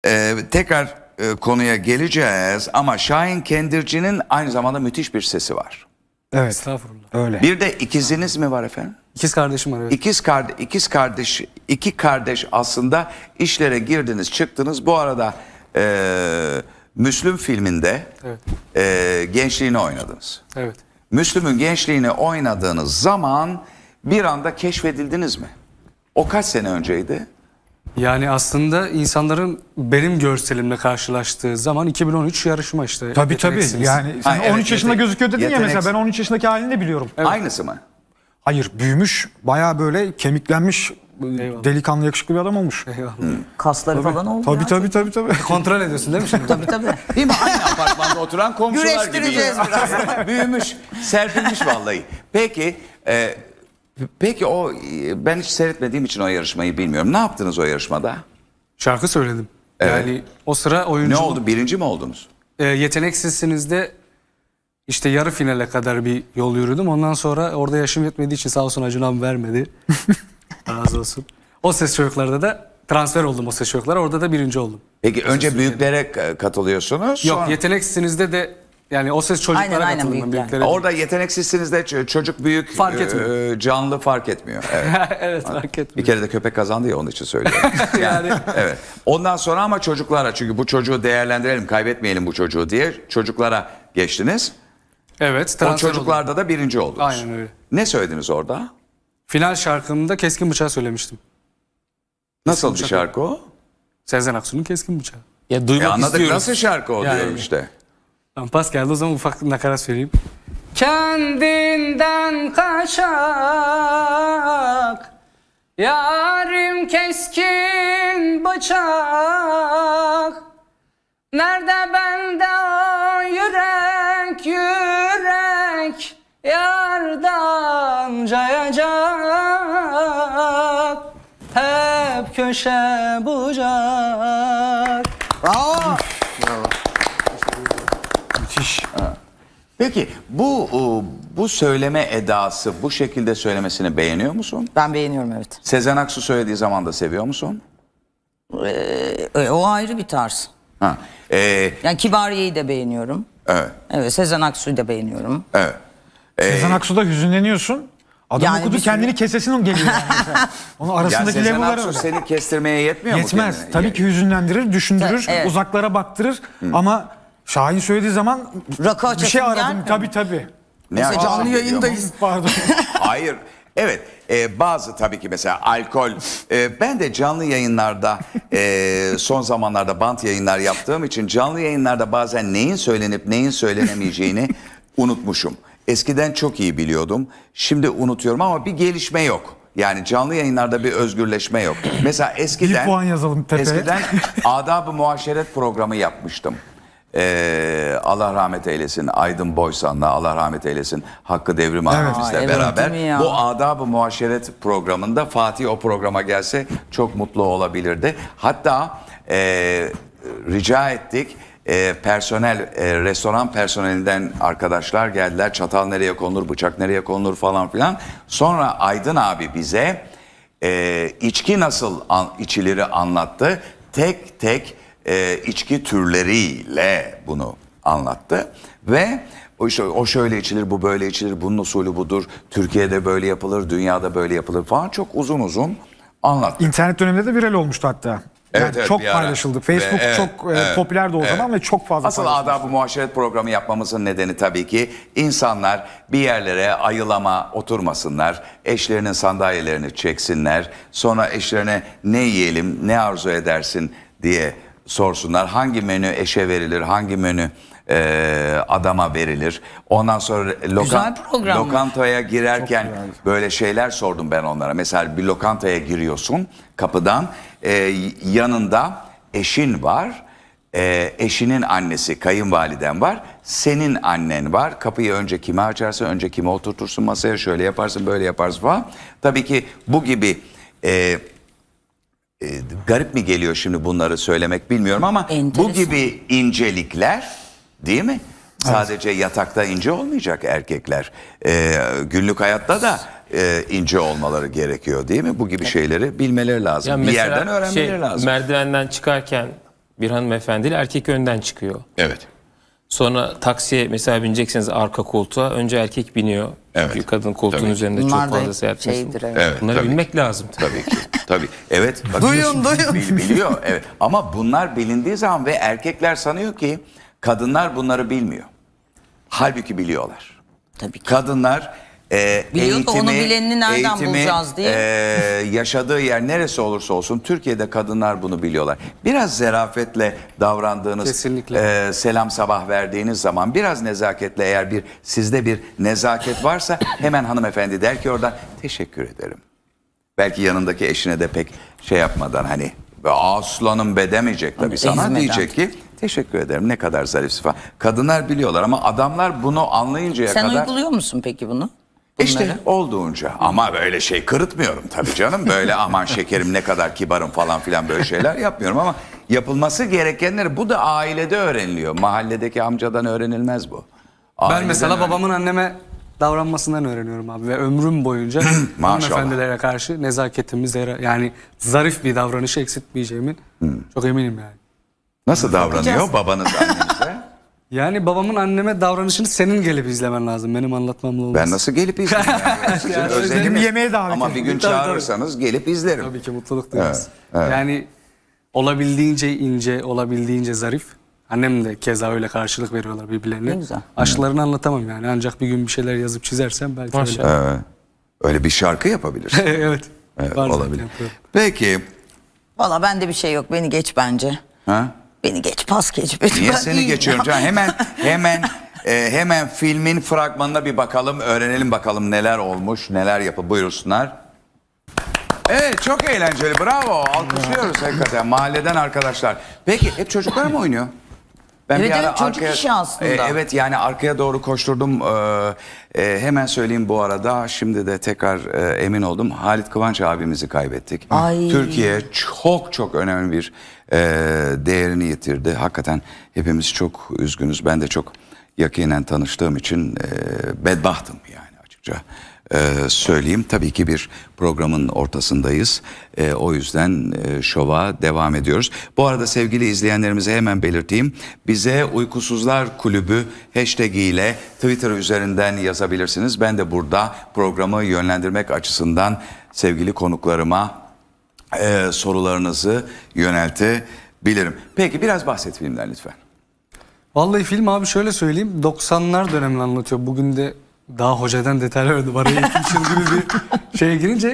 Tekrar konuya geleceğiz ama Şahin Kendirci'nin aynı zamanda müthiş bir sesi var. Evet. Estağfurullah. Öyle. Bir de ikiziniz mi var efendim? İkiz kardeşim var, evet. İki kardeş aslında işlere girdiniz çıktınız. Bu arada Müslüm filminde gençliğini oynadınız. Evet. Müslüm'ün gençliğini oynadığınız zaman bir anda keşfedildiniz mi? O kaç sene önceydi? Yani aslında insanların benim görselimle karşılaştığı zaman 2013 yarışma işte. Tabii. Yeteneksiniz. Yani sen Ha, evet, 13 yaşında gözüküyor dedin ya mesela, ben 13 yaşındaki halini de biliyorum. Aynısı mı? Hayır, büyümüş, bayağı böyle kemiklenmiş, Eyvallah. delikanlı yakışıklı bir adam olmuş. Eyvallah. Kasları falan oldu ya. Tabii. Kontrol ediyorsun değil mi şimdi? Tabii. Değil mi? Aynı apartmanda oturan komşular gibi. Güreştireceğiz biraz. Büyümüş, serpilmiş vallahi. Peki o ben hiç seyretmediğim için o yarışmayı bilmiyorum. Ne yaptınız o yarışmada? Şarkı söyledim. Evet. Yani o sıra Ne oyunculuk. oldu? Birinci mi oldunuz? Yeteneksizsinizde işte yarı finale kadar bir yol yürüdüm. Ondan sonra orada yaşım yetmediği için sağ olsun Acun abi vermedi. Razı olsun. O Ses Çocuklar'da da transfer oldum, o Ses Çocuklar'a. Orada da birinci oldum. Peki önce büyüklere katılıyorsunuz. Yok, sonra- yeteneksizsinizde de yani o Ses Çocuklar'a Aynen, katıldım. büyükler. Büyüklere değil. Orada yeteneksizsiniz de çocuk büyük Fark etmiyor. canlı fark etmiyor. Evet. Evet, fark Bir etmiyor. kere de köpek kazandı ya onun için söylüyorum. Yani Evet. Ondan sonra ama çocuklara, çünkü bu çocuğu değerlendirelim, kaybetmeyelim bu çocuğu diye çocuklara geçtiniz. evet, O transfer oldum. çocuklarda da birinci oldunuz. Aynen öyle. Ne söylediniz orada? Final şarkımda Keskin Bıçağı söylemiştim. Nasıl bir bıçak. şarkı o? Sezen Aksu'nun Keskin Bıçağı. Ya duymak Anladık, istiyoruz. nasıl şarkı o Yani. diyorum işte. Tamam, pas geldi, o zaman ufak nakarat söyleyeyim. Kendinden kaçak, yarim keskin bıçak. Nerede bende o yürek, yardan cayacak. Hep köşe bucak. Bravo. Müthiş. Peki bu söyleme edası, bu şekilde söylemesini beğeniyor musun? Ben beğeniyorum, evet. Sezen Aksu söylediği zaman da seviyor musun? O ayrı bir tarz. Ha. Yani Kibariye'yi de beğeniyorum. Evet. Evet, Sezen Aksu'yu da beğeniyorum. Evet. Sezen Aksu'da hüzünleniyorsun. Adam Yani okudu, bir sürü- kendini kesesin geliyor yani mesela. Onun Ya arasındaki Sezen level'lar Aksu öyle. seni kestirmeye yetmiyor mu? Yetmez. kendine? Tabii ki hüzünlendirir, düşündürür, Evet. uzaklara baktırır ama Şahin söylediği zaman Rakı bir açasın şey aradım. gelmiyor. Tabii. Ne Mesela açıdan canlı geliyor? yayındayız. Pardon. Hayır. Evet. Bazı tabii ki mesela alkol. Ben de canlı yayınlarda son zamanlarda bant yayınlar yaptığım için canlı yayınlarda bazen neyin söylenip neyin söylenemeyeceğini unutmuşum. Eskiden çok iyi biliyordum. Şimdi unutuyorum ama bir gelişme yok. Yani canlı yayınlarda bir özgürleşme yok. Mesela eskiden Bir puan yazalım tepeye. Eskiden Adab-ı Muaşeret programı yapmıştım. Allah rahmet eylesin, Aydın Boysan'la, Allah rahmet eylesin, Hakkı Devrim abimizle evet, beraber değil mi ya? bu Adab-ı Muaşeret programında Fatih o programa gelse çok mutlu olabilirdi. Hatta rica ettik, personel, restoran personelinden arkadaşlar geldiler, çatal nereye konulur, bıçak nereye konulur falan filan. Sonra Aydın abi bize içki nasıl içilir anlattı. Tek tek içki türleriyle bunu anlattı ve o şöyle içilir, bu böyle içilir, bunun usulü budur, Türkiye'de böyle yapılır, dünyada böyle yapılır falan, çok uzun uzun anlattı. İnternet döneminde de viral olmuştu hatta. Yani Evet, çok bir ara. paylaşıldı. Facebook Ve çok popülerdi o zaman ve çok fazla Asıl paylaşıldı. Adab-ı Muaşeret programı yapmamızın nedeni tabii ki insanlar bir yerlere ayılama oturmasınlar. Eşlerinin sandalyelerini çeksinler. Sonra eşlerine ne yiyelim, ne arzu edersin diye sorsunlar. Hangi menü eşe verilir, hangi menü adama verilir. Ondan sonra Güzel program. lokantaya girerken böyle şeyler sordum ben onlara. Mesela bir lokantaya giriyorsun kapıdan, yanında eşin var. Eşinin annesi, kayınvaliden var. Senin annen var. Kapıyı önce kime açarsın, önce kime oturtursun masaya, şöyle yaparsın, böyle yaparsın falan. Tabii ki bu gibi garip mi geliyor şimdi bunları söylemek bilmiyorum ama Enteresan. bu gibi incelikler, değil mi? Sadece yatakta ince olmayacak erkekler. Günlük hayatta da ince olmaları gerekiyor, değil mi? Bu gibi şeyleri bilmeleri lazım. Ya bir mesela yerden öğrenmeleri lazım. Merdivenden çıkarken bir hanımefendiyle erkek önden çıkıyor. Evet. Sonra taksiye mesela binecekseniz arka koltuğa önce erkek biniyor. Çünkü Evet. kadın koltuğun Tabii. üzerinde Bunlar çok da fazla seyahat etmesin. şeydir, evet. Evet. Bunları tabii bilmek ki. lazım. Tabii ki. Tabii. Evet. bak- Duyun. Biliyor. Evet. Ama bunlar bilindiği zaman ve erkekler sanıyor ki kadınlar bunları bilmiyor. Halbuki biliyorlar. Tabii ki. Kadınlar Biliyor da onu bilenini nereden eğitimi, bulacağız diye. yaşadığı yer neresi olursa olsun Türkiye'de kadınlar bunu biliyorlar. Biraz zarafetle davrandığınız, Kesinlikle. selam sabah verdiğiniz zaman biraz nezaketle eğer sizde bir nezaket varsa hemen hanımefendi der ki oradan teşekkür ederim. Belki yanındaki eşine de pek şey yapmadan hani aslanım be demeyecek tabii sana ezmeden. diyecek ki teşekkür ederim ne kadar zarifsin falan. Kadınlar biliyorlar ama adamlar bunu anlayıncaya Sen kadar... uyguluyor musun peki bunu? İşte Bunları? olduğunca ama böyle şey kırıtmıyorum tabii canım. Böyle aman şekerim ne kadar kibarım falan filan böyle şeyler yapmıyorum ama yapılması gerekenleri bu da ailede öğreniliyor. Mahalledeki amcadan öğrenilmez bu. Ben Aileden mesela öğren- babamın anneme davranmasından öğreniyorum abi ve ömrüm boyunca hanımefendilere karşı nezaketimi yani zarif bir davranışı eksiltmeyeceğimi çok eminim yani. Nasıl davranıyor babanız annenize? Yani babamın anneme davranışını senin gelip izlemen lazım. Benim anlatmamla olmaz. Ben nasıl gelip izleyeyim yani? Sizin özeliniz. yemeğe davet Ama bir edeyim. gün Tabii, tabii. çağırırsanız gelip izlerim. Tabii ki mutluluk duyarız. Yani olabildiğince ince, olabildiğince zarif. Annem de keza öyle karşılık veriyorlar birbirlerine. Ne güzel. Aşklarını anlatamam yani. Ancak bir gün bir şeyler yazıp çizersem belki Maşallah. öyle. Öyle bir şarkı yapabilirsin. Evet. Evet, Var zaten, olabilir. yapıyorum. Peki. Valla bende bir şey yok. Beni geç bence. Ha? Beni geç, pas geç. Beni. Niye Ben seni iyiyim geçiyorum ya. canım? Hemen filmin fragmanına bir bakalım, öğrenelim bakalım neler olmuş, neler yapı. Buyursunlar. Evet, çok eğlenceli. Bravo. Alkışlıyoruz hakikaten. Mahalleden arkadaşlar. Peki hep çocuklar mı oynuyor? Ben Evet, bir ara evet, çocuk işi aslında. evet yani arkaya doğru koşturdum. Hemen söyleyeyim bu arada. Şimdi de tekrar emin oldum. Halit Kıvanç abimizi kaybettik. Ay. Türkiye çok önemli bir değerini yitirdi. Hakikaten hepimiz çok üzgünüz. Ben de çok yakinen tanıştığım için bedbahtım yani açıkça. Söyleyeyim. Tabii ki bir programın ortasındayız. O yüzden şova devam ediyoruz. Bu arada sevgili izleyenlerimize hemen belirteyim. Bize Uykusuzlar Kulübü hashtag ile Twitter üzerinden yazabilirsiniz. Ben de burada programı yönlendirmek açısından sevgili konuklarıma sorularınızı yöneltebilirim. Peki biraz bahset filmden lütfen. Vallahi film abi şöyle söyleyeyim. 90'lar dönemini anlatıyor. Bugün de daha hocadan detaylar verdim. Araya 2-3 yıl gibi bir şeye girince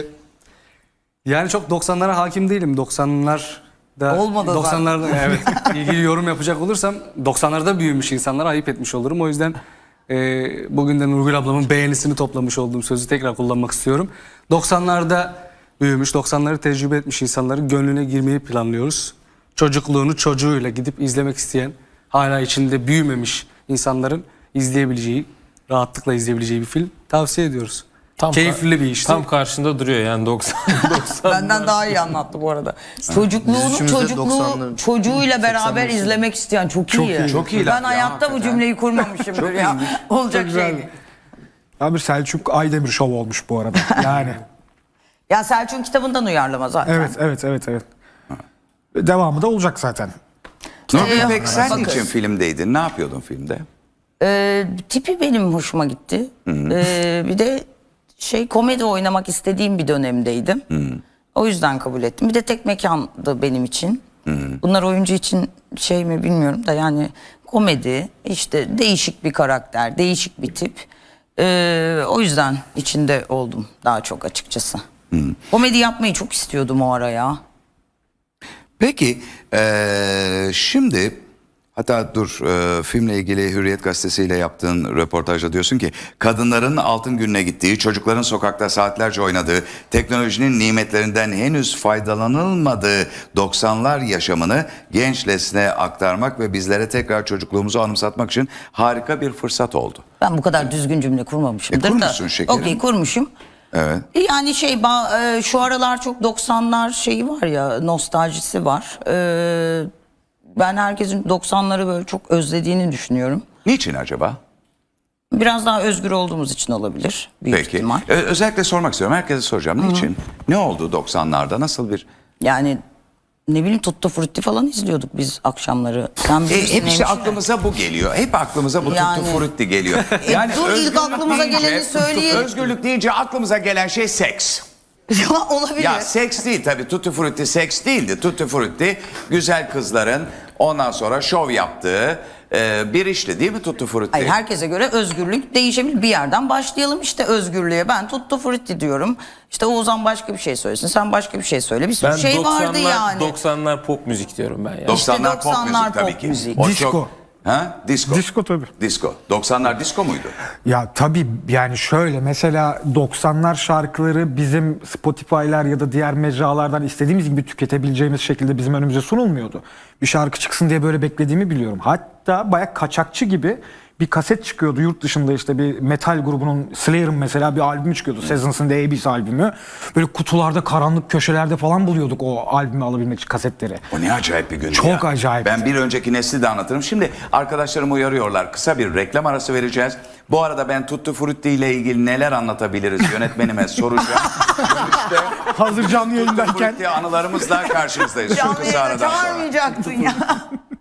yani çok 90'lara hakim değilim. 90'larda Olmadı zaten. 90'larda evet ilgili yorum yapacak olursam 90'larda büyümüş insanlara ayıp etmiş olurum. O yüzden bugün de Nurgül ablamın beğenisini toplamış olduğum sözü tekrar kullanmak istiyorum. 90'larda büyümüş, 90'ları tecrübe etmiş insanların gönlüne girmeyi planlıyoruz. Çocukluğunu çocuğuyla gidip izlemek isteyen, hala içinde büyümemiş insanların izleyebileceği, rahatlıkla izleyebileceği bir film tavsiye ediyoruz. Keyifli bir işti. Tam karşında duruyor yani 90. Benden daha iyi anlattı bu arada. Çocukluğunu çocuğuyla beraber izlemek isteyen çok iyi. Çok iyi Ben laf ya, hayatta bu hakikaten. cümleyi kurmamışımdır ya. Olacak şey değil. Ya bir Selçuk Aydemir şov olmuş bu arada. Yani. Ya Selçuk'un kitabından uyarlama zaten. Evet. Devamı da olacak zaten. Nurgül peki sen bakın. niçin filmdeydin? Ne yapıyordun filmde? Tipi benim hoşuma gitti. Bir de komedi oynamak istediğim bir dönemdeydim. O yüzden kabul ettim. Bir de tek mekandı benim için. Bunlar oyuncu için şey mi bilmiyorum da yani komedi, işte değişik bir karakter, değişik bir tip. O yüzden içinde oldum daha çok açıkçası. Komedi yapmayı çok istiyordum o ara ya. Peki şimdi hatta dur filmle ilgili Hürriyet gazetesiyle yaptığın röportajda diyorsun ki kadınların altın gününe gittiği, çocukların sokakta saatlerce oynadığı, teknolojinin nimetlerinden henüz faydalanılmadığı 90'lar yaşamını genç nesle aktarmak ve bizlere tekrar çocukluğumuzu anımsatmak için harika bir fırsat oldu. Ben bu kadar düzgün cümle kurmamışımdır kurmuşsun da. şekerim. Okey, kurmuşum. Evet. Yani şu aralar çok 90'lar şeyi var ya, nostaljisi var. Ben herkesin 90'ları böyle çok özlediğini düşünüyorum. Niçin acaba? Biraz daha özgür olduğumuz için olabilir büyük Peki. ihtimal. Özellikle sormak istiyorum. Herkese soracağım. Niçin? Ne oldu 90'larda? Nasıl bir... Yani ne bileyim Tutto Frutti falan izliyorduk biz akşamları. Sen bilirsin Hepsi hemşire. aklımıza bu geliyor. Hep aklımıza bu Yani. Tutto Frutti geliyor. Dur, ilk özgürlük aklımıza geleni söyleyelim. Özgürlük deyince aklımıza gelen şey seks. Ya olabilir. Ya seks değil tabii. Tutti Frutti seks değildi. Tutti Frutti güzel kızların ondan sonra şov yaptığı bir işti değil mi Tutti Frutti? Hayır, herkese göre özgürlük değişebilir. Bir yerden başlayalım işte özgürlüğe. Ben Tutto Frutti diyorum. İşte Oğuzhan başka bir şey söylesin. Sen başka bir şey söyle. Bir sürü Ben şey vardı 90'lar yani. 90'lar pop müzik diyorum ben yani. 90'lar pop 90'lar müzik tabii pop ki. müzik. O Disco. çok- Ha? Disco. Disco tabii. Disco. 90'lar disco muydu? Ya tabii yani şöyle mesela 90'lar şarkıları bizim Spotify'lar ya da diğer mecralardan istediğimiz gibi tüketebileceğimiz şekilde bizim önümüze sunulmuyordu. Bir şarkı çıksın diye böyle beklediğimi biliyorum. Hatta bayağı kaçakçı gibi bir kaset çıkıyordu yurt dışında, işte bir metal grubunun, Slayer'ın mesela bir albümü çıkıyordu. Seasons and the Abyss albümü. Böyle kutularda, karanlık köşelerde falan buluyorduk o albümü alabilmek için kasetleri. O ne acayip bir gündü Çok ya. acayip. Ben bir önceki nesli de anlatırım. Şimdi arkadaşlarım uyarıyorlar. Kısa bir reklam arası vereceğiz. Bu arada ben Tutti Frutti ile ilgili neler anlatabiliriz yönetmenime soracağım. İşte Hazır canlı Tutti yayındayken Frutti anılarımızla karşınızdayız. Şu Canlı kısa yayına aradan sonra. çağırmayacaktın ya.